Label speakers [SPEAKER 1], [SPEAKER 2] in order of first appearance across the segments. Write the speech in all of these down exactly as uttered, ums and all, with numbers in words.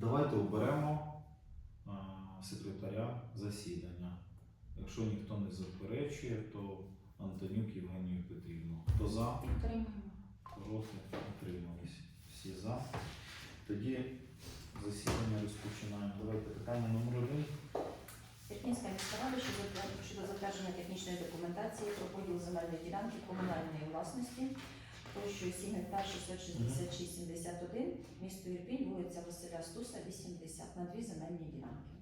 [SPEAKER 1] Давайте оберемо а, секретаря засідання. Якщо ніхто не заперечує, то Антонюк Євгенію Петрівну. Хто за?
[SPEAKER 2] Підтримуємо.
[SPEAKER 1] Проти? Утримались. Всі за. Тоді засідання розпочинаємо. Давайте питання номер один.
[SPEAKER 2] Ірпінська міська рада щодо затвер- щодо затвердження технічної документації про поділ земельної ділянки комунальної власності площею сім гектар шістсот шістдесят шість сімдесят один, місто Ірпінь, вулиця Василя Стуса, вісімдесят, на дві земельні ділянки.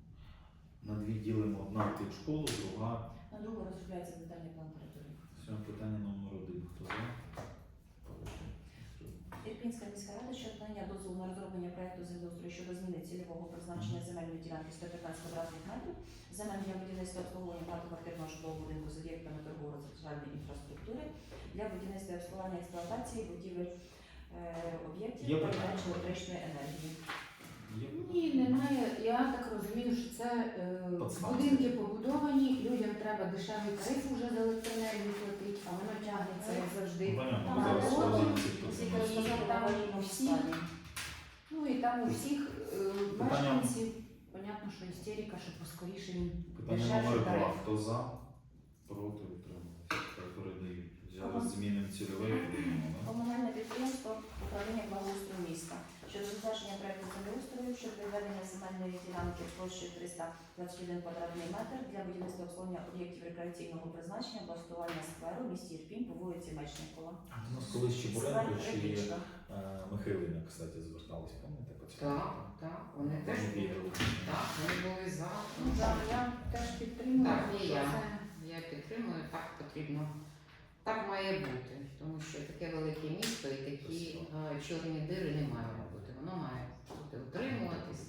[SPEAKER 1] На дві ділимо: одна під школу, друга.
[SPEAKER 2] На другу розробляється детальний план території.
[SPEAKER 1] Сьогодні питання номер один. Хто за? Проти?
[SPEAKER 2] Ірпінська міська рада щодо надання дозволу на розроблення проекту землеустрою щодо зміни цільового призначення земельної ділянки сто п'ятнадцять квадратних метрів, земель для будівництва обслуговування багатоквартирного житлового будинку з об'єктами торгово-розважальної інфраструктури для будівництва і обслуговування експлуатації будівель е, об'єктів
[SPEAKER 1] Є
[SPEAKER 2] передачі
[SPEAKER 1] питання?
[SPEAKER 2] електричної енергії.
[SPEAKER 1] Є?
[SPEAKER 3] Ні, немає. Я так розумію, що це е,
[SPEAKER 1] Подстанція.
[SPEAKER 3] будинки побудовані, людям треба дешевий тариф вже за електроенергію платити, а воно тягнеться як завжди.
[SPEAKER 1] Ну, понятно,
[SPEAKER 3] Там
[SPEAKER 1] зараз
[SPEAKER 3] роботи,
[SPEAKER 1] складається
[SPEAKER 2] Всі
[SPEAKER 1] питання.
[SPEAKER 2] розказали в
[SPEAKER 3] там
[SPEAKER 2] аварійному
[SPEAKER 3] всі.
[SPEAKER 2] стані.
[SPEAKER 3] Ну і там у всіх е,
[SPEAKER 1] Питання-
[SPEAKER 3] мешканців, понятно, що істерика, що поскоріше їм
[SPEAKER 1] Питання
[SPEAKER 3] дешевший
[SPEAKER 1] номер
[SPEAKER 3] тариф.
[SPEAKER 1] два. Хто за? Проти? Утримались. Так, передають. Зараз змінимо цільове і будемо, да?
[SPEAKER 2] Комунальне підприємство управління благоустрою міста щодо затвердження проекту землеустрою щодо відведення земельної ділянки площею триста двадцять один квадратний метр для будівництва обслуговування об'єктів рекреаційного призначення, облаштування скверу в місті Ірпінь по вулиці Мечникова.
[SPEAKER 1] У нас колись Чебуренко чи
[SPEAKER 2] Рибічка.
[SPEAKER 1] е, Михайлина, кстати, звертались, пам'ятаєте, по цьому?
[SPEAKER 3] Так, так, вони теж
[SPEAKER 1] Вони
[SPEAKER 3] були.
[SPEAKER 1] відео.
[SPEAKER 3] Так, вони були за.
[SPEAKER 2] Ну,
[SPEAKER 3] Так,
[SPEAKER 2] так, я теж підтримую.
[SPEAKER 3] Так, і
[SPEAKER 2] що
[SPEAKER 3] я.
[SPEAKER 2] це-
[SPEAKER 3] Я підтримую, так потрібно. Так має бути, тому що таке велике місто і такі е, чорні дири не має бути. Воно має бути утримуватися.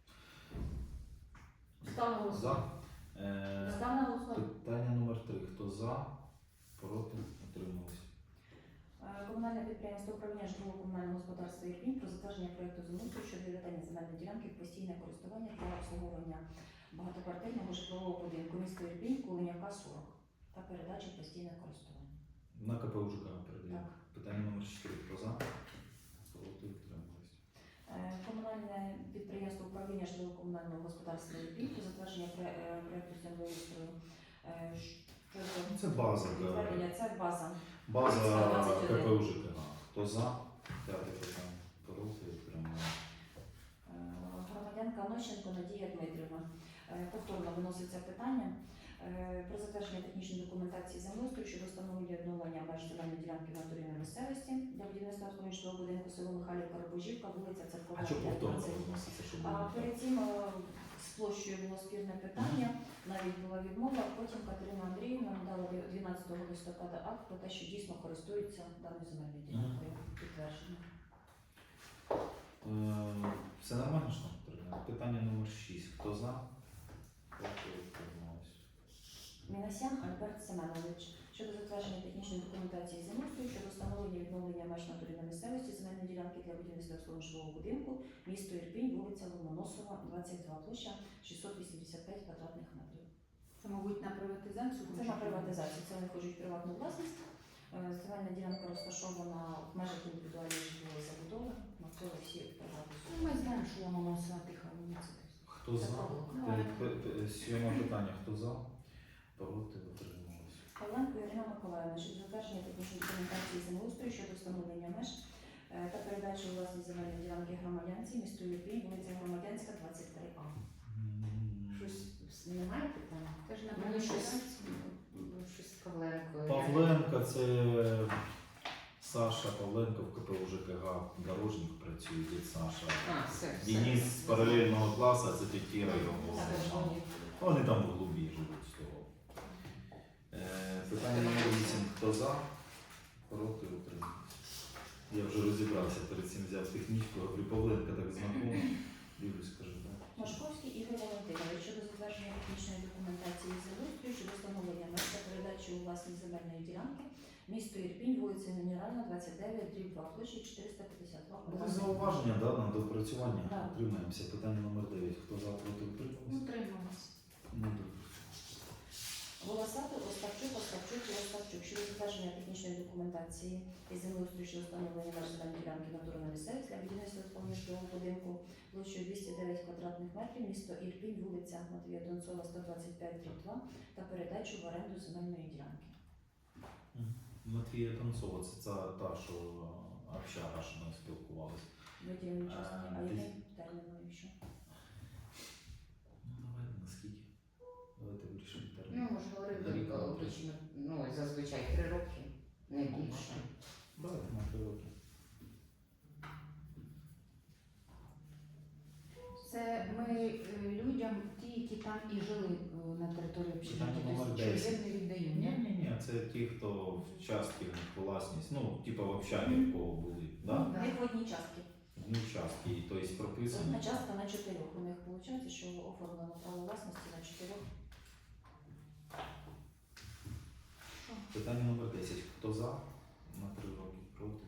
[SPEAKER 2] Ставимо
[SPEAKER 1] За. Е,
[SPEAKER 2] Став на голосування.
[SPEAKER 1] Питання номер три. Хто за? Проти? Утримались.
[SPEAKER 2] Е, Комунальне підприємство управління житлово-комунального господарства Ірпінь про затвердження проекту землеустрою щодо відведення земельної ділянки в постійне користування для обслуговування багатоквартирного житлового будинку міста Ірпінь, Кулинівка, сорок та передачі в постійне користування.
[SPEAKER 1] На КП УЖК передаємо.
[SPEAKER 2] Так.
[SPEAKER 1] Питання номер чотири. Хто за? Проти? Утримались.
[SPEAKER 2] Е, Комунальне підприємство управління житлово-комунального господарства Ірпінь про затвердження пре- е, проекту землеустрою е, щодо
[SPEAKER 1] Ну, це база. да.
[SPEAKER 2] відведення. Це база.
[SPEAKER 1] База
[SPEAKER 2] двадцять один.
[SPEAKER 1] КП УЖК. Хто за? П'яте питання. Проти? Утримались.
[SPEAKER 2] Е, Громадянка Нощенко Надія Дмитрівна. Е, Повторно виноситься питання е, про затвердження технічної документації землеустрою щодо встановлення відновлення меж земельної ділянки в натурі на місцевості для будівництва житлового будинку село Михайлівка, Рубожівка, вулиця Церкова.
[SPEAKER 1] А що повторно
[SPEAKER 2] п'ятнадцять.
[SPEAKER 1] виноситься, що
[SPEAKER 2] А
[SPEAKER 1] було?
[SPEAKER 2] перед цим е, з площею було спірне питання, навіть була відмова. Потім Катерина Андріївна надала дванадцятого листопада акт про те, що дійсно користуються даною земельною ділянкою. Підтверджено.
[SPEAKER 1] Е, Все нормально, що нам потрібно? Питання номер шість. Хто за? Проти? Утримались.
[SPEAKER 2] Мінасян Альберт Семенович щодо затвердження технічної документації землеустрою щодо встановлення і відновлення меж натурі на місцевості земельної ділянки для будівництва обслуговування житлового будинку, місто Ірпінь, вулиця Ломоносова, двадцять два, площа шістсот вісімдесят п'ять квадратних метрів.
[SPEAKER 3] Це, мабуть, на приватизацію.
[SPEAKER 2] Це на приватизацію, це вони хочуть приватну власність. Е, Земельна ділянка розташована в межах індивідуальної житлової забудови, навколо всі приватні.
[SPEAKER 3] Ну, ми знаємо, що воно носила тиха вулиця.
[SPEAKER 1] Хто за?
[SPEAKER 2] Ну,
[SPEAKER 1] Е, п- п- Сьоме питання. Хто за? Проти? Утримались.
[SPEAKER 2] Павленко Ірина Миколаївна щодо затвердження технічної документації землеустрою щодо встановлення меж е, та передачі у власність земельної ділянки громадянці місту Ірпінь, вулиця Громадянська, двадцять три А.
[SPEAKER 1] М,
[SPEAKER 3] Щось немає питання? Теж на
[SPEAKER 2] Мені
[SPEAKER 3] мене щось,
[SPEAKER 2] щось-
[SPEAKER 3] щось Павленко.
[SPEAKER 1] Павленко, це Саша Павленко в КП УЖКГ Дорожник працює, дід Саша.
[SPEAKER 3] А, все, все.
[SPEAKER 1] Денис з паралельного класу, це тітіра його.
[SPEAKER 2] Так,
[SPEAKER 1] Там. Вони там в глубі живуть з того. Е, Питання номер вісім. Хто за? Проти? Утримались. Я вже розібрався, перед цим взяв технічку, говорю, Павленко так знакомо. Дивлюсь, скажу, так.
[SPEAKER 2] Машковський Ігор Валентинович щодо затвердження технічної документації землеустрою щодо встановлення меж та передачі у власність земельної ділянки місто Ірпінь, вулиця Мінеральна, двадцять дев'ять, дріб два, площі чотириста п'ятдесят два.
[SPEAKER 1] Були зауваження, да, на допрацювання.
[SPEAKER 2] Так.
[SPEAKER 1] Утримаємося. Питання номер дев'ять. Хто за? Проти? Утримались?
[SPEAKER 3] Утрималась.
[SPEAKER 1] Ну, добре.
[SPEAKER 2] Волосатий, Остапчук, Остапчук і Остапчук щодо затвердження технічної документації із землеустрою щодо встановлення меж земельної ділянки натурної місцевості для будівництва житлового будинку площею двісті дев'ять квадратних метрів, місто Ірпінь, вулиця Матвія Донцова, сто двадцять п'ять, дріб два, та передачу в оренду земельної ділянки.
[SPEAKER 1] Матвія Танцова, це ця та, що общага, що ми спілкувалися.
[SPEAKER 2] Виділені частки, а
[SPEAKER 1] А,
[SPEAKER 2] яким
[SPEAKER 1] десь-
[SPEAKER 2] терміном якщо?
[SPEAKER 1] Ну, давайте наскільки? Давайте вирішимо
[SPEAKER 3] Ну,
[SPEAKER 1] термін.
[SPEAKER 3] ми ж говорили,
[SPEAKER 1] Рік на три.
[SPEAKER 3] обично, ну, зазвичай три роки, не більше.
[SPEAKER 1] Давайте на три роки.
[SPEAKER 4] Це ми е, людям, ті, які там і жили е, на території общежиття,
[SPEAKER 1] Питання номер
[SPEAKER 4] тобто
[SPEAKER 1] десять.
[SPEAKER 4] чужим не віддаємо.
[SPEAKER 1] Ні,
[SPEAKER 4] ні?
[SPEAKER 1] ні, ні, це ті, хто в частки в них власність, ну, типа в общагі в кого були, да?
[SPEAKER 4] Да.
[SPEAKER 2] В них в одній частки.
[SPEAKER 1] В них частки, і, тобто прописано.
[SPEAKER 2] Одна частка на чотирьох. У них виходить, що оформлено право власності на чотирьох.
[SPEAKER 1] Питання номер десять. Хто за? На три роки проти?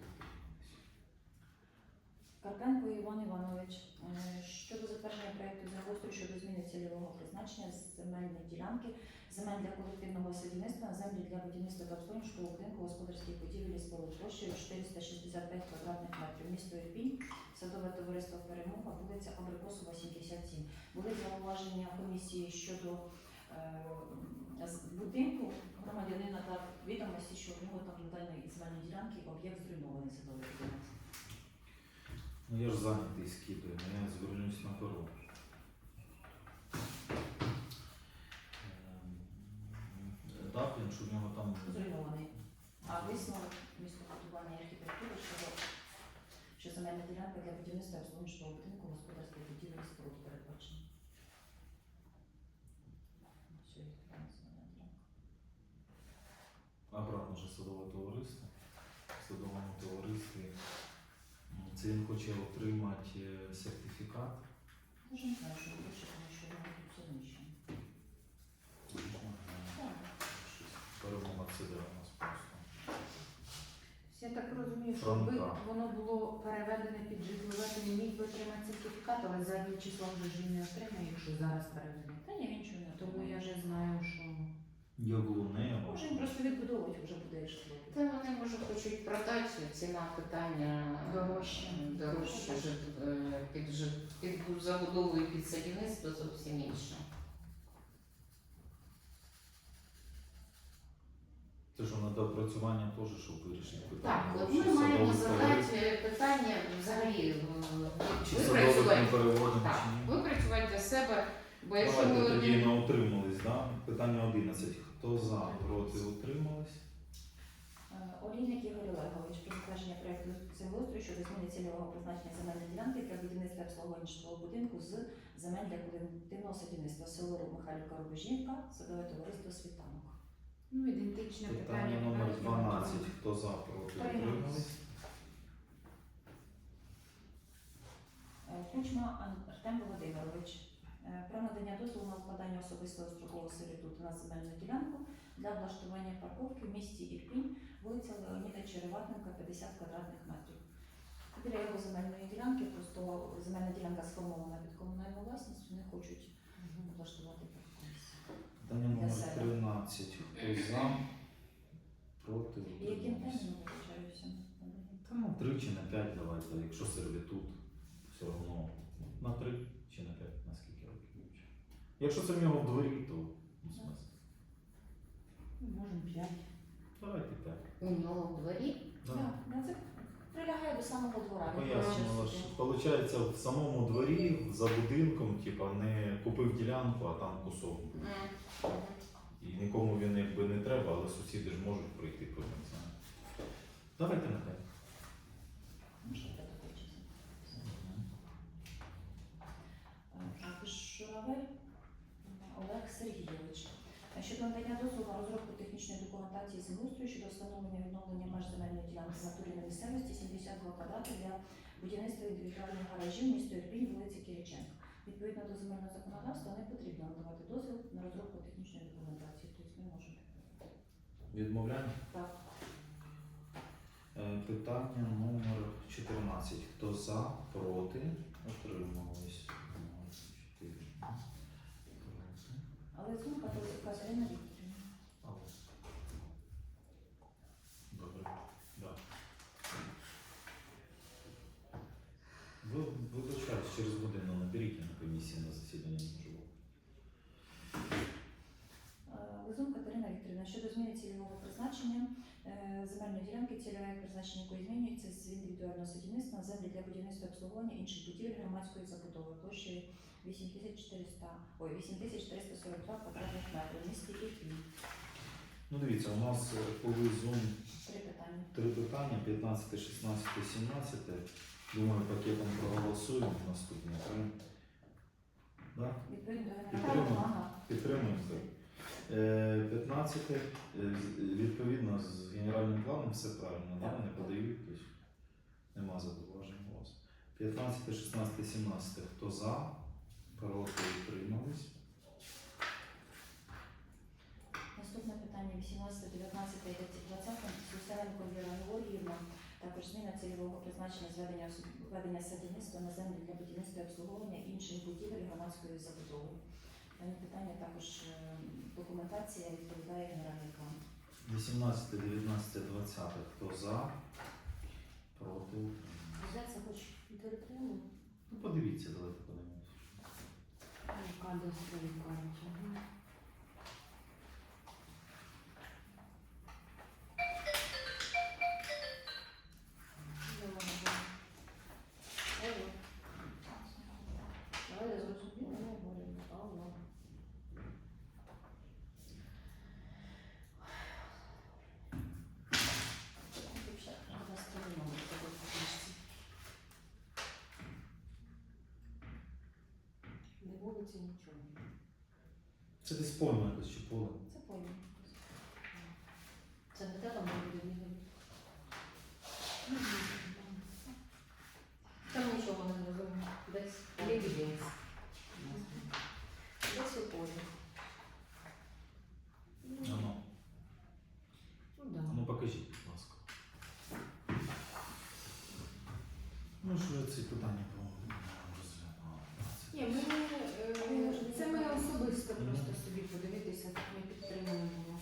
[SPEAKER 2] Карпенко Іван Іванович е, щодо затвердження проєкту землеустрою щодо зміни цільового призначення з земельної ділянки, земель для колективного садівництва, на землі для будівництва та обслуговування житлового будинку, господарських будівель і споруд площею чотириста шістдесят п'ять квадратних метрів, місто Ірпінь, садове товариство Перемога, вулиця Абрикосова, сімдесят сім. Були зауваження комісії щодо е, з будинку громадянина та відомості, що в нього там на даній земельній ділянці об'єкт зруйнований садовий будинок.
[SPEAKER 1] Ну я ж зайнятий скидаю, ну я звернусь на перо. Ем, Даплін, що в нього там
[SPEAKER 2] Зруйнований. А висновок містобудування і архітектури щодо що земельна ділянка для будівництва і обслуговування житлового будинку, господарських будівель і споруд передбачена. Все, є така земельна ділянка.
[SPEAKER 1] обратно вже садове товариство. В садовому товаристві м, це він хоче отримати е, сертифікат.
[SPEAKER 2] Даже не знаю, що більше, тому що воно тут все знищено. Так.
[SPEAKER 1] Перемога це де у нас просто.
[SPEAKER 4] Я так розумію, що
[SPEAKER 1] Фронта.
[SPEAKER 4] якби воно було переведене під житлове, то не міг би отримати сертифікат, але заднім числом вже ж він не отримає, якщо зараз переведене.
[SPEAKER 2] Та ні, він нічого не
[SPEAKER 4] Тому
[SPEAKER 2] отримає.
[SPEAKER 4] я вже знаю, що
[SPEAKER 1] Яблунева.
[SPEAKER 2] Може він просто відбудовувати вже буде житло.
[SPEAKER 3] Та вони може хочуть продати, ціна питання
[SPEAKER 4] Дорожче.
[SPEAKER 3] дорожче жит- е, під, жит- під забудову і під садівництво зовсім інше.
[SPEAKER 1] Це ж на доопрацювання теж, щоб вирішити питання.
[SPEAKER 3] Так, от
[SPEAKER 1] Чи
[SPEAKER 3] ми маємо
[SPEAKER 1] садовий товариство,
[SPEAKER 3] задати питання взагалі е,
[SPEAKER 1] Чи садових ми
[SPEAKER 3] випрацювати.
[SPEAKER 1] переводимо,
[SPEAKER 3] Так,
[SPEAKER 1] чи ні?
[SPEAKER 3] випрацювати для себе, бо якщо
[SPEAKER 1] Давайте
[SPEAKER 3] ми
[SPEAKER 1] тоді
[SPEAKER 3] одні-
[SPEAKER 1] на утримались, да? Питання одинадцять. Хто за, проти, утримались?
[SPEAKER 2] Е, Олійник Ігор Олегович про затвердження проєкту землеустрою щодо зміни цільового призначення земельної ділянки для будівництва і обслуговування житлового будинку з земель для колективного садівництва село Михайлівка Рубежівка, садове товариство Світанок.
[SPEAKER 4] ну, ідентичне питання.
[SPEAKER 1] Питання номер
[SPEAKER 4] навіть не
[SPEAKER 1] дванадцять.
[SPEAKER 4] готове.
[SPEAKER 1] Хто за, проти,
[SPEAKER 2] Утримались.
[SPEAKER 1] утримались?
[SPEAKER 2] Е, Кучма Ан- Артем Володимирович е, про надання дозволу на укладання особистого строкового сервітуту на земельну ділянку для облаштування парковки в місті Ірпінь, вулиця Леоніда Череватенка, п'ятдесят квадратних метрів. Біля його земельної ділянки, просто земельна ділянка сформована під комунальну власність, вони хочуть облаштувати парковку.
[SPEAKER 1] Питання
[SPEAKER 2] Для
[SPEAKER 1] номер
[SPEAKER 2] себе.
[SPEAKER 1] тринадцять. Хто за, проти,
[SPEAKER 2] І яким
[SPEAKER 1] утримались?
[SPEAKER 2] терміном виключаюся?
[SPEAKER 1] Та ну три чи на п'ять давайте, якщо сервітут, все одно на три чи на п'ять, на скільки років вивчив. Якщо це в нього в дворі, то ну, смисл.
[SPEAKER 4] Ну, Можемо п'ять.
[SPEAKER 1] Давайте п'ять.
[SPEAKER 3] у нього в дворі,
[SPEAKER 1] Да.
[SPEAKER 2] Так, ну, це прилягає до самого двора. він
[SPEAKER 1] Пояснювала,
[SPEAKER 2] просто
[SPEAKER 1] що виходить в самому дворі, за будинком, типа не купив ділянку, а там кусок.
[SPEAKER 3] М.
[SPEAKER 1] І нікому він якби не треба, але сусіди ж можуть прийти потім. Знає. Давайте на п'ять.
[SPEAKER 2] Ну, що треба хочеться. Так, Журавель Олег Сергійович. Щодо надання дозволу на розробку технічної документації землеустрою щодо встановлення і відновлення меж земельної ділянки в натурі на місцевості сімдесят два квадрати для будівництва індивідуальних гаражів місто Ірпінь, вулиці Кириченко. Відповідно до земельного законодавства не потрібно надавати дозвіл на розробку технічної документації, тобто ми можемо.
[SPEAKER 1] Відмовляємо?
[SPEAKER 2] Так.
[SPEAKER 1] Е, Питання номер чотирнадцять. Хто за, проти, утримались? Чотири. Проти.
[SPEAKER 2] Але зумка то Катерина Вікторівна. ділянки, цільове призначення якої змінюється з індивідуального садівництва на землі для будівництва обслуговування інших будівель громадської забудови площею вісім тисяч чотириста, ой, вісім тисяч триста сорок два квадратних метрів в місті Ірпінь.
[SPEAKER 1] Ну дивіться, у нас е, по визум
[SPEAKER 2] Три питання.
[SPEAKER 1] три питання, п'ятнадцяте, шістнадцяте, сімнадцяте. Думаю, пакетом проголосуємо наступні три. Да?
[SPEAKER 2] Відповідно до
[SPEAKER 1] Підтримуємо.
[SPEAKER 2] генерального плану.
[SPEAKER 1] Підтримуємо. Е, п'ятнадцяте. е, з- Відповідно з генеральним планом все правильно, да?
[SPEAKER 2] Так.
[SPEAKER 1] Не подають, тобто нема зауважень у вас. п'ятнадцяте, шістнадцяте, сімнадцяте. Хто за? Проти, утримались.
[SPEAKER 2] Наступне питання вісімнадцяте, дев'ятнадцяте і двадцяте. Слюсаренко Віра Георгіївна. Також зміна цільового призначення зведення ведення садівництва на землі для будівництва і обслуговування інших будівель громадської забудови. Дане питання також е, документація відповідає генеральний план.
[SPEAKER 1] вісімнадцяте, дев'ятнадцяте, двадцяте. Хто за? Проти, утримались.
[SPEAKER 2] Де це хоч підтримуємо?
[SPEAKER 1] Ну, подивіться, давайте подивимося.
[SPEAKER 4] Кадастрові карті. Ага.
[SPEAKER 2] Давай зрозуміло, не говоримо. Алло.
[SPEAKER 4] Не вулиці нічого.
[SPEAKER 1] Це десь польма якось чи поле.
[SPEAKER 2] Це поймі. Це не те там буде бігати. Там нічого не зрозуміло. Десь
[SPEAKER 4] Лебедець.
[SPEAKER 2] десь у полі.
[SPEAKER 1] Ано.
[SPEAKER 4] Ну да.
[SPEAKER 1] Ну покажіть, будь ласка. Ну що я ці питання по-моєму розглядав.
[SPEAKER 4] Ні, ми, е, це ми особисто просто собі подивитися, так ми підтримуємо.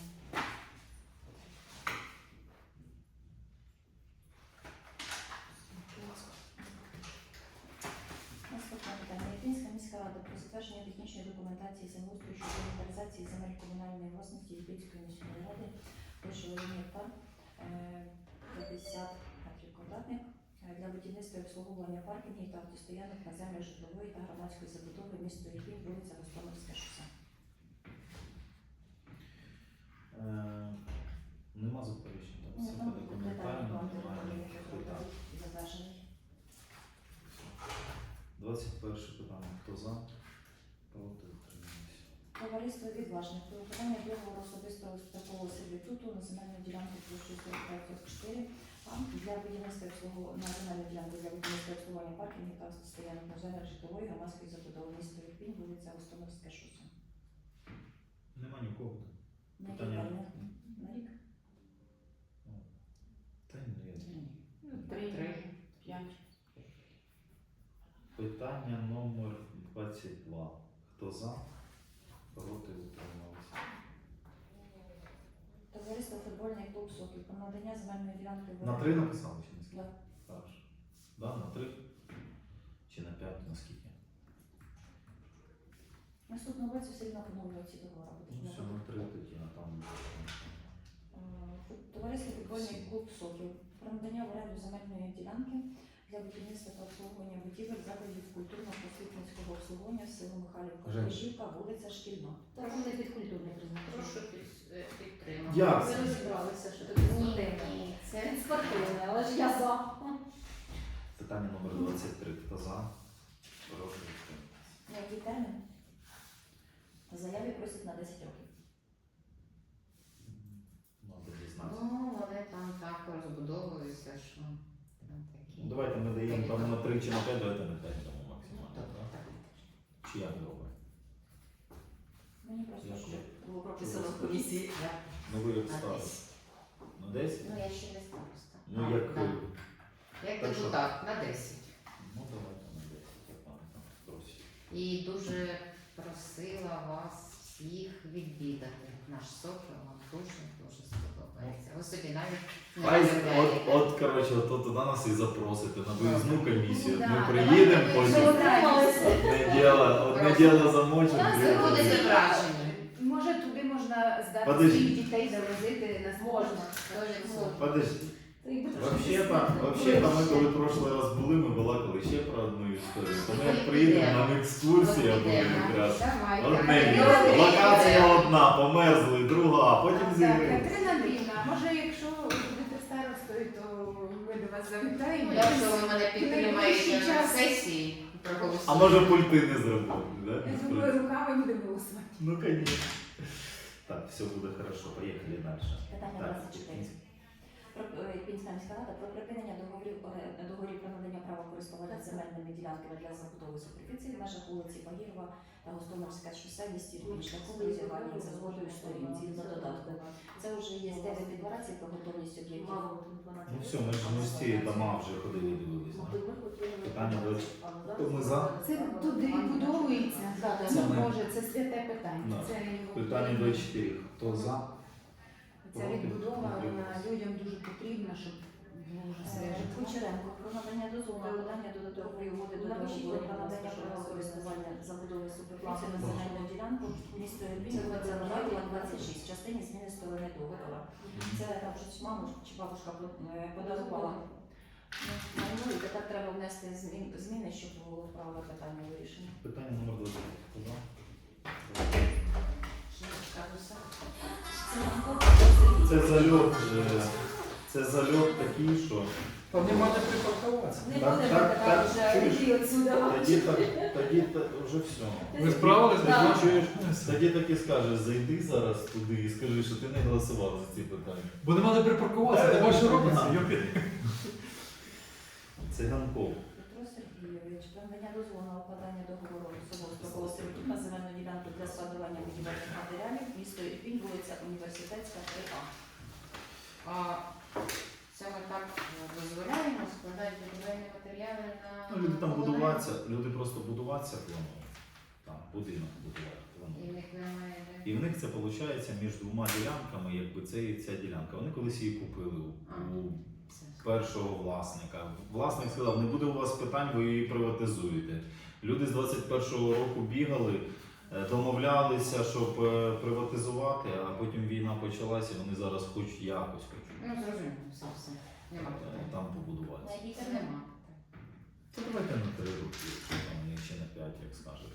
[SPEAKER 2] Наступне питання. Ірпінська міська рада про затвердження технічної документації землеустрою щодо інвентаризації земель комунальної власності Ірпінської міської ради площею один гектар е, п'ятдесят метрів квадратних е, для будівництва і обслуговування паркінгів та автостоянок на землях житлової та громадської забудови місто Ірпінь, вулиця Гостомельське шосе.
[SPEAKER 1] Е, Нема заперечень, так?
[SPEAKER 2] Ну,
[SPEAKER 1] Все
[SPEAKER 2] там
[SPEAKER 1] по
[SPEAKER 2] детальний
[SPEAKER 1] документальному,
[SPEAKER 2] план
[SPEAKER 1] немає
[SPEAKER 2] території,
[SPEAKER 1] ніяких
[SPEAKER 2] що
[SPEAKER 1] питань.
[SPEAKER 2] затверджений.
[SPEAKER 1] двадцять перше питання. Хто за? Проти, утримались.
[SPEAKER 2] Товариство відважних про виконання договору особистого такого сервітуту на земельну ділянку площею сорок п'ять сорок чотири а для будівництва і обслуговування на земельну ділянку для будівництва і обслуговування паркінгів та стоянок на землях житлової громадської забудови місто Ірпінь, вулиця Гостомельське шосе.
[SPEAKER 1] Нема нікого.
[SPEAKER 2] На який
[SPEAKER 1] Питання.
[SPEAKER 2] термін? На рік?
[SPEAKER 1] Та ні.
[SPEAKER 4] Ну, три, п'ять.
[SPEAKER 1] Питання номер двадцять два. Хто за? Проти, утримались.
[SPEAKER 2] Товариство футбольний клуб Сокіл про надання земельної ділянки в
[SPEAKER 1] На три написали чи на скільки?
[SPEAKER 2] Да.
[SPEAKER 1] Хорошо. Да, на три? Чи на п'ять, на скільки?
[SPEAKER 2] Наступного році все одно поновлюють ці договори.
[SPEAKER 1] Ну все, на три тоді, а там.
[SPEAKER 2] Е, Товариство футбольний клуб Сокіл про надання в оренду земельної ділянки для будівництва та обслуговування будівель закладів культурно-просвітницького обслуговування в село Михайлівка,
[SPEAKER 1] Женя.
[SPEAKER 2] Кожівка, вулиця Шкільна.
[SPEAKER 4] Та вони під культурне призначення.
[SPEAKER 3] Прошу під- е, підтримати.
[SPEAKER 1] Як
[SPEAKER 4] Ви
[SPEAKER 1] це?
[SPEAKER 4] розібралися, що таке
[SPEAKER 3] Ні,
[SPEAKER 4] спортивне.
[SPEAKER 3] ні, це
[SPEAKER 4] Це спортивне, але ж я за.
[SPEAKER 1] Питання номер двадцять три. Хто за? Проти, утримались.
[SPEAKER 2] На який термін? В заяві просять на десять років.
[SPEAKER 1] Надо дізнатися.
[SPEAKER 3] Ну, вони там так розбудовуються, що там такі.
[SPEAKER 1] Ну, давайте ми даємо там на три чи на п'ять, давайте на п'ять дамо
[SPEAKER 3] Ну,
[SPEAKER 1] максимально.
[SPEAKER 3] так,
[SPEAKER 1] так?
[SPEAKER 3] так.
[SPEAKER 1] Чи як добре?
[SPEAKER 2] Мені просто
[SPEAKER 1] Я
[SPEAKER 2] щоб
[SPEAKER 1] ще-
[SPEAKER 2] було прописано в комісії.
[SPEAKER 1] Ну ви як
[SPEAKER 3] На
[SPEAKER 1] ставите?
[SPEAKER 3] десять.
[SPEAKER 1] На десять?
[SPEAKER 3] Ну, я ще не староста.
[SPEAKER 1] Ну
[SPEAKER 3] А,
[SPEAKER 1] як.
[SPEAKER 3] да. Як
[SPEAKER 1] Так що?
[SPEAKER 3] депутат, на десять.
[SPEAKER 1] Ну давайте на десять, як пане там просить.
[SPEAKER 3] І дуже просила вас всіх відвідати наш сокіл, вам дуже дуже сподобається. Ви собі навіть не
[SPEAKER 1] Ай, от,
[SPEAKER 3] уявляєте.
[SPEAKER 1] от, коротше, от, от туди нас і запросите на виїзну комісію.
[SPEAKER 4] Да,
[SPEAKER 1] Ми
[SPEAKER 4] давайте
[SPEAKER 1] приїдемо
[SPEAKER 4] ми
[SPEAKER 1] потім.
[SPEAKER 4] вже одне
[SPEAKER 1] Одне діло, одне діло замочимо.
[SPEAKER 4] У нас
[SPEAKER 1] друге
[SPEAKER 3] Ви будете
[SPEAKER 1] діло.
[SPEAKER 3] вражені.
[SPEAKER 4] Може, туди можна здати
[SPEAKER 1] Подожди.
[SPEAKER 4] своїх дітей, завозити нас можна.
[SPEAKER 3] Дуже
[SPEAKER 4] Ну,
[SPEAKER 3] супер.
[SPEAKER 1] Подожди.
[SPEAKER 2] Це якби трошки
[SPEAKER 1] Вообще-то,
[SPEAKER 2] дискретно.
[SPEAKER 1] вообще-то ми коли в прошлий раз були, ми балакали ще про одну історію. То ми як приїдемо, нам екскурсія буде якраз.
[SPEAKER 3] Давай,
[SPEAKER 1] Одне
[SPEAKER 3] давай.
[SPEAKER 1] місце. Локація одна, померзли, друга, а потім
[SPEAKER 4] Так,
[SPEAKER 1] зі.
[SPEAKER 4] Катерина Андріївна, може, якщо ви будете старостою, то ми до вас завітаємо.
[SPEAKER 3] Я що ви мене підтримаєте
[SPEAKER 4] Найближчий
[SPEAKER 3] на
[SPEAKER 4] час.
[SPEAKER 3] сесії, проголосуєте.
[SPEAKER 1] А може пульти не зробити, да?
[SPEAKER 4] Я думаю, руками будемо голосувати.
[SPEAKER 1] Ну, конечно. Так, все буде хорошо, поїхали далі.
[SPEAKER 2] Питання
[SPEAKER 1] Так,
[SPEAKER 2] двадцять чотири. Про е, Пінська міська рада про припинення договорів оре- договорів про надання права користування земельними ділянками для забудови суперфіції в межах вулиці Багірова та Гостомельське шосе в місті Львів шляхом розірвання за згодою сторін згідно додатку. Це вже є дев'ять декларацій про готовність об'єктів.
[SPEAKER 1] Ну все, ми ж ми ж ці дома вже ходили дивилися. Питання двадцять. То ми за.
[SPEAKER 4] Це туди відбудовується.
[SPEAKER 2] Да, да,
[SPEAKER 1] Це
[SPEAKER 4] Ну,
[SPEAKER 1] ми.
[SPEAKER 4] Боже, це святе питання.
[SPEAKER 1] Да.
[SPEAKER 4] Це його
[SPEAKER 1] Питання двадцять чотири. Хто за?
[SPEAKER 4] Ця відбудова вона людям дуже потрібна, щоб було вже все
[SPEAKER 2] Е,
[SPEAKER 4] житло.
[SPEAKER 2] Кучеренко про надання дозволу на подання додаткової угоди до договору про надання права користування забудови суперфіції на земельну ділянку місто Ірпінь, вулиця Новаїла, двадцять шість, в частині зміни сторони договору. Це там щось маму чи бабушка под- е, подарувала. Ну, ну, і тепер треба внести змін- зміни, щоб було правове питання вирішено.
[SPEAKER 1] Питання номер двадцять. Хто за?
[SPEAKER 2] Це нам
[SPEAKER 1] Це зальот, е, це зальот такий, що
[SPEAKER 5] Там нема де припаркуватися.
[SPEAKER 2] Не
[SPEAKER 1] Так,
[SPEAKER 2] будемо
[SPEAKER 1] так,
[SPEAKER 2] така
[SPEAKER 1] так,
[SPEAKER 2] вже
[SPEAKER 1] чуєш?
[SPEAKER 2] йти отсюда.
[SPEAKER 1] тоді так, тоді та- вже все.
[SPEAKER 5] Ви справились?
[SPEAKER 2] Да.
[SPEAKER 1] Тоді чуєш, тоді так і скажеш, зайди зараз туди і скажи, що ти не голосував за ці питання.
[SPEAKER 5] Бо нема де припаркуватися, нема що робиться. Йопі.
[SPEAKER 1] Циганков.
[SPEAKER 2] Петро Сергійович, про надання дозволу на укладання договору особового строкового сервітуту на земельну ділянку для складування будівельних матеріалів, місто Ірпінь, вулиця Університетська, три А.
[SPEAKER 3] А це ми так дозволяємо складати будівельні матеріали на...
[SPEAKER 1] Ну, люди там будуватися, люди просто будуватися планують. Там будинок будувати
[SPEAKER 3] І
[SPEAKER 1] планують.
[SPEAKER 3] в них немає де.
[SPEAKER 1] І в них це виходить між двома ділянками, якби це і ця ділянка. Вони колись її купили у, у
[SPEAKER 3] Це.
[SPEAKER 1] першого власника. Власник сказав, не буде у вас питань, ви її приватизуєте. Люди з двадцять першого року бігали, е, домовлялися, щоб е, приватизувати, а потім війна почалася, вони зараз хоч якось хочуть
[SPEAKER 3] Ну, зрозуміло, все, все. Нема
[SPEAKER 1] е,
[SPEAKER 3] питань.
[SPEAKER 1] там побудуватися.
[SPEAKER 2] На якій
[SPEAKER 3] Це
[SPEAKER 2] термін?
[SPEAKER 3] нема.
[SPEAKER 1] Це давайте на три роки, якщо там ні, чи на п'ять, як скажете.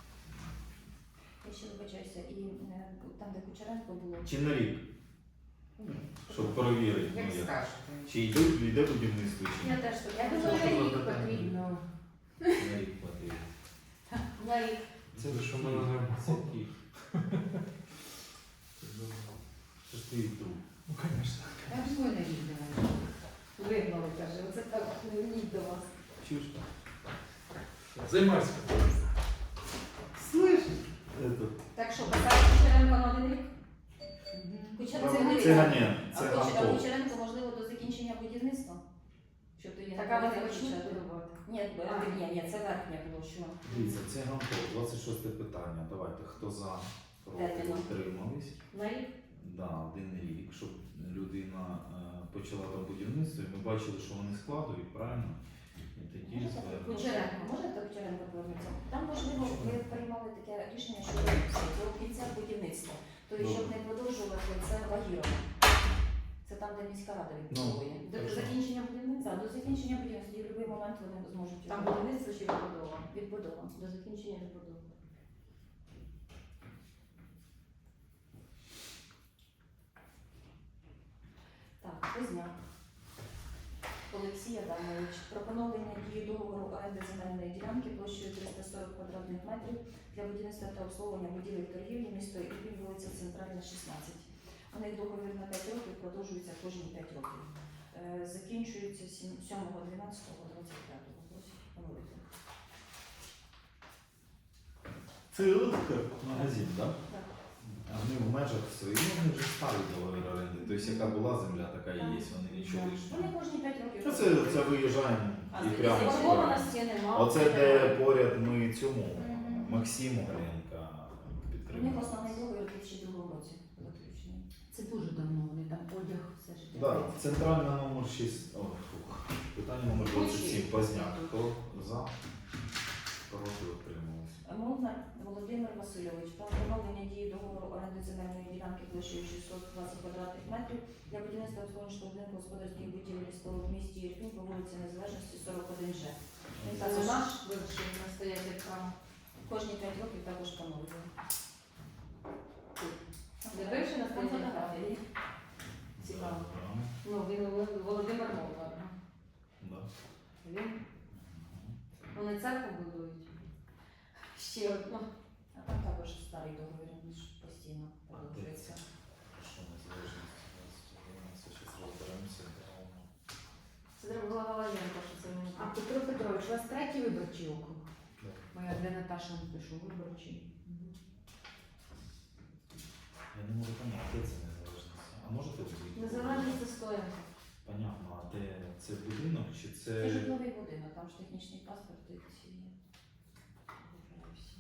[SPEAKER 2] Я ще вибачаюся, і е, там, де Кучеренко було,
[SPEAKER 1] Чи на рік,
[SPEAKER 3] Ні.
[SPEAKER 1] щоб перевірити, ну,
[SPEAKER 3] Як
[SPEAKER 1] як.
[SPEAKER 3] скажете.
[SPEAKER 1] Чи йде, йде будівництво, чи
[SPEAKER 2] я
[SPEAKER 1] ні.
[SPEAKER 2] теж так.
[SPEAKER 4] Я думаю, що їх потрібно.
[SPEAKER 1] На рік потрібно.
[SPEAKER 2] На рік.
[SPEAKER 5] Це ви що в мене нема.
[SPEAKER 1] Це Київ. Це ж твій друг.
[SPEAKER 5] Ну, звісно.
[SPEAKER 4] Я думаю, не віддавай.
[SPEAKER 2] Вигнали, каже, оце так не вміть до вас.
[SPEAKER 1] Чуєш?
[SPEAKER 5] Займайся.
[SPEAKER 4] Слышь?
[SPEAKER 1] Это...
[SPEAKER 2] Так що, писати Кучеренко на один рік? Кучеренко
[SPEAKER 1] Це
[SPEAKER 2] дивіться.
[SPEAKER 1] Ганя,
[SPEAKER 2] А
[SPEAKER 1] це
[SPEAKER 2] Куч- а
[SPEAKER 1] Ганков.
[SPEAKER 2] Кучеренко, можливо, до закінчення будівництва? Щоб тоді не
[SPEAKER 4] Так, а вони
[SPEAKER 2] було
[SPEAKER 4] почнуть
[SPEAKER 2] почати.
[SPEAKER 4] будувати?
[SPEAKER 2] Ні,
[SPEAKER 4] А.
[SPEAKER 2] ні, ні, це верхня площа.
[SPEAKER 1] Дивіться, це Ганков, двадцять шосте питання. Давайте, хто за, проти,
[SPEAKER 2] Терміном.
[SPEAKER 1] утримались.
[SPEAKER 2] На рік?
[SPEAKER 1] Да, один рік, щоб людина е, почала там будівництво, і ми бачили, що вони складують, правильно? І тоді звернемо.
[SPEAKER 2] Кучеренко, можна до Кучеренко повернутися? Там, можливо, ви приймали таке рішення, що до кінця будівництва. Тобто, щоб не продовжувати, це Багірова. Це там, де міська рада відбудовує.
[SPEAKER 1] Ну,
[SPEAKER 2] До
[SPEAKER 1] хорошо.
[SPEAKER 2] закінчення будівництва, до закінчення будівництва, і в будь-який момент вони зможуть
[SPEAKER 4] Там
[SPEAKER 2] його-
[SPEAKER 4] будівництво чи відбудова?
[SPEAKER 2] відбудова. До закінчення відбудови. Так, Позняк. Олексій Адамович. Про поновлення дії договору оренди земельної ділянки площею триста сорок квадратних метрів для будівництва та обслуговування будівель торгівлі місто Ірпінь, вулиця Центральна, шістнадцять. У них договір на п'ять років, продовжується кожні п'ять років. Е, Закінчується сьомого дванадцятого двадцять п'ятого. Просять поновити.
[SPEAKER 1] Це магазин, так?
[SPEAKER 2] Так.
[SPEAKER 1] А вони в межах своїх, ну, вони вже старий договір оренди. Тобто, яка була земля, така і є, вони нічого
[SPEAKER 2] Вони
[SPEAKER 1] лишнього.
[SPEAKER 2] кожні п'ять років.
[SPEAKER 1] Ну, Це, це виїжджаємо і прямо. сюди.
[SPEAKER 2] Заборгованості нема.
[SPEAKER 1] Оце де поряд ми цьому
[SPEAKER 2] Мгм.
[SPEAKER 1] Максиму Гренка
[SPEAKER 2] У них
[SPEAKER 1] підтримали.
[SPEAKER 2] основний договір у дві тисячі другому році заключений.
[SPEAKER 4] Це дуже давно, вони там одяг все життя.
[SPEAKER 1] Да, центральна номер шість. О, фух. Питання номер двадцять сім. Позняк. Хто за? Проти утрималися.
[SPEAKER 2] Молнар Володимир Васильович про встановлення дії договору оренди земельної ділянки площею шістсот двадцять квадратних метрів для будівництва обслуговуючого будинку господарських будівель і споруд в місті Ірпінь по вулиці Незалежності сорок один Ж. Він
[SPEAKER 4] Це
[SPEAKER 2] також
[SPEAKER 4] наш вирішив настояти право.
[SPEAKER 2] кожні п'ять років також поновлює.
[SPEAKER 4] Де бивший
[SPEAKER 2] Там
[SPEAKER 4] настояти право?
[SPEAKER 2] фотографії.
[SPEAKER 4] Цікаво.
[SPEAKER 1] Програми.
[SPEAKER 4] Ну, він Воло- Володимир Молдар.
[SPEAKER 1] Да.
[SPEAKER 4] Він, вони церкву будують. Ще одну.
[SPEAKER 2] А там також старий договір, він ж постійно
[SPEAKER 1] А де
[SPEAKER 2] продовжується.
[SPEAKER 1] це? Що незалежність двадцять один, це щось розберемося.
[SPEAKER 4] Це треба була Галаєнко, що це він.
[SPEAKER 6] А Петро Петрович, у вас третій виборчий округ?
[SPEAKER 1] Да.
[SPEAKER 6] Моя де Наташа напишу, виборчий.
[SPEAKER 1] Я не можу поняти, де це незалежність. А можете ви?
[SPEAKER 4] Незалежність застоянка.
[SPEAKER 1] Понятно, а де це будинок чи це.
[SPEAKER 2] Це житловий будинок, там ж технічний паспорт і ці є. Вибираю всі.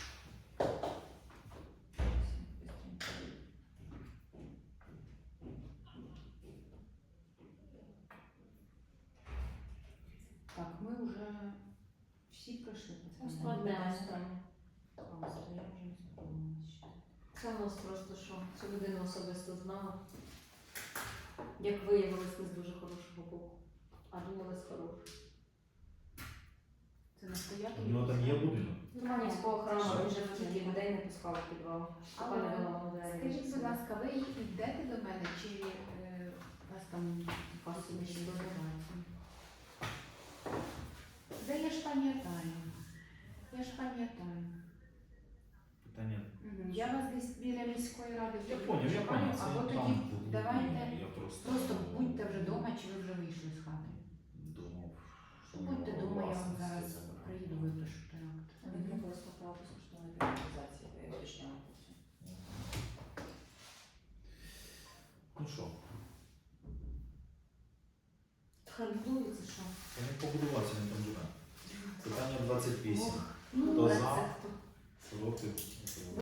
[SPEAKER 6] Так, ми вже всі пройшли.
[SPEAKER 2] Це
[SPEAKER 6] питання.
[SPEAKER 2] складне.
[SPEAKER 4] Одне останнє. Це у нас просто що? Цю людину особисто знала. Як виявилось, не з дуже хорошого боку. А думали з хорошого.
[SPEAKER 6] Це настоятель?
[SPEAKER 1] У нього там є будинок?
[SPEAKER 4] Норманівського храму,
[SPEAKER 1] Що?
[SPEAKER 4] він же тільки людей не пускав в підвал.
[SPEAKER 6] Але,
[SPEAKER 4] Поки не було молодої.
[SPEAKER 6] скажіть, будь ласка, ви йдете до мене, чи е, у вас там пасовищі розбираються? Де я ж пам'ятаю? Я ж пам'ятаю.
[SPEAKER 1] Питання.
[SPEAKER 6] Мгм. Я вас десь біля міської ради
[SPEAKER 1] Я
[SPEAKER 6] тоді
[SPEAKER 1] поняв, я
[SPEAKER 6] чекаю,
[SPEAKER 1] поняв. Це
[SPEAKER 6] або
[SPEAKER 1] там
[SPEAKER 6] тоді
[SPEAKER 1] був
[SPEAKER 6] давайте
[SPEAKER 1] будинок, я просто.
[SPEAKER 6] просто будьте вже вдома, чи ви вже вийшли з хати.
[SPEAKER 1] Думав, що
[SPEAKER 6] Будьте
[SPEAKER 1] у нього
[SPEAKER 6] вдома, я вам
[SPEAKER 1] власність
[SPEAKER 6] зараз
[SPEAKER 1] це забрати.
[SPEAKER 6] приїду, випишу той акт.
[SPEAKER 2] Він використав право безкоштовної приватизації, ви його уточняли потім.
[SPEAKER 1] Ну що,
[SPEAKER 4] Харбується, що?
[SPEAKER 1] вони побудувався, він там живе. Питання двадцять вісім.
[SPEAKER 4] Ну,
[SPEAKER 1] Хто
[SPEAKER 4] це
[SPEAKER 1] за?
[SPEAKER 4] хто?
[SPEAKER 1] Проти?